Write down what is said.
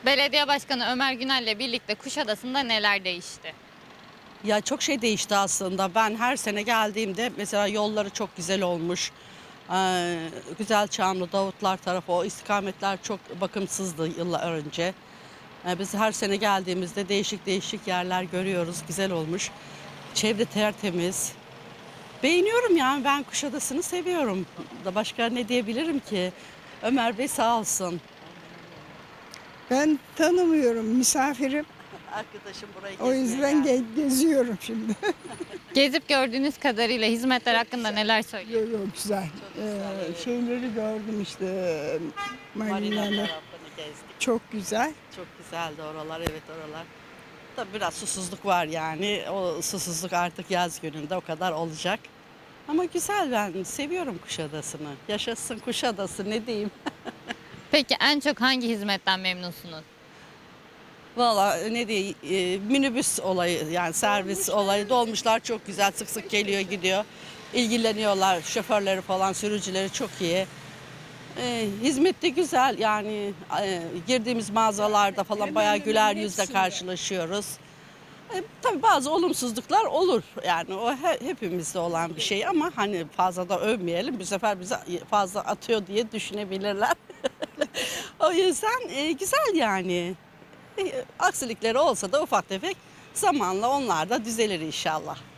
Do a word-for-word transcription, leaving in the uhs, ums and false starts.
Belediye Başkanı Ömer Günel'le birlikte Kuşadası'nda neler değişti? Ya çok şey değişti aslında. Ben her sene geldiğimde mesela yolları çok güzel olmuş. Ee, Güzelçamlı, Davutlar tarafı o istikametler çok bakımsızdı yıllar önce. Ee, biz her sene geldiğimizde değişik değişik yerler görüyoruz. Güzel olmuş. Çevre tertemiz. Beğeniyorum yani ben Kuşadası'nı seviyorum. Da başka ne diyebilirim ki? Ömer Bey sağ olsun. Ben tanımıyorum, misafirim. Arkadaşım burayı O yüzden ge- geziyorum şimdi. Gezip gördüğünüz kadarıyla hizmetler hakkında neler söylüyorsunuz? Yok yok güzel. Ee, şeyleri gördüm işte, Marina marinaları. tarafını gezdik. Çok güzel. Çok güzeldi oralar, evet oralar. Tabii biraz susuzluk var yani. O susuzluk artık yaz gününde o kadar olacak. Ama güzel, ben seviyorum Kuşadası'nı. Yaşasın Kuşadası, ne diyeyim. Peki en çok hangi hizmetten memnunsunuz? Valla ne diyeyim, e, minibüs olayı yani servis olayı, dolmuşlar çok güzel, sık sık geliyor gidiyor. İlgileniyorlar, şoförleri falan, sürücüleri çok iyi. E, hizmet de güzel yani, e, girdiğimiz mağazalarda falan bayağı güler yüzle karşılaşıyoruz. E, tabii bazı olumsuzluklar olur yani, o he- hepimizde olan bir şey ama hani fazla da övmeyelim, bu sefer bize fazla atıyor diye düşünebilirler. O yüzden e, güzel yani. E, aksilikleri olsa da ufak tefek zamanla onlar da düzelir inşallah.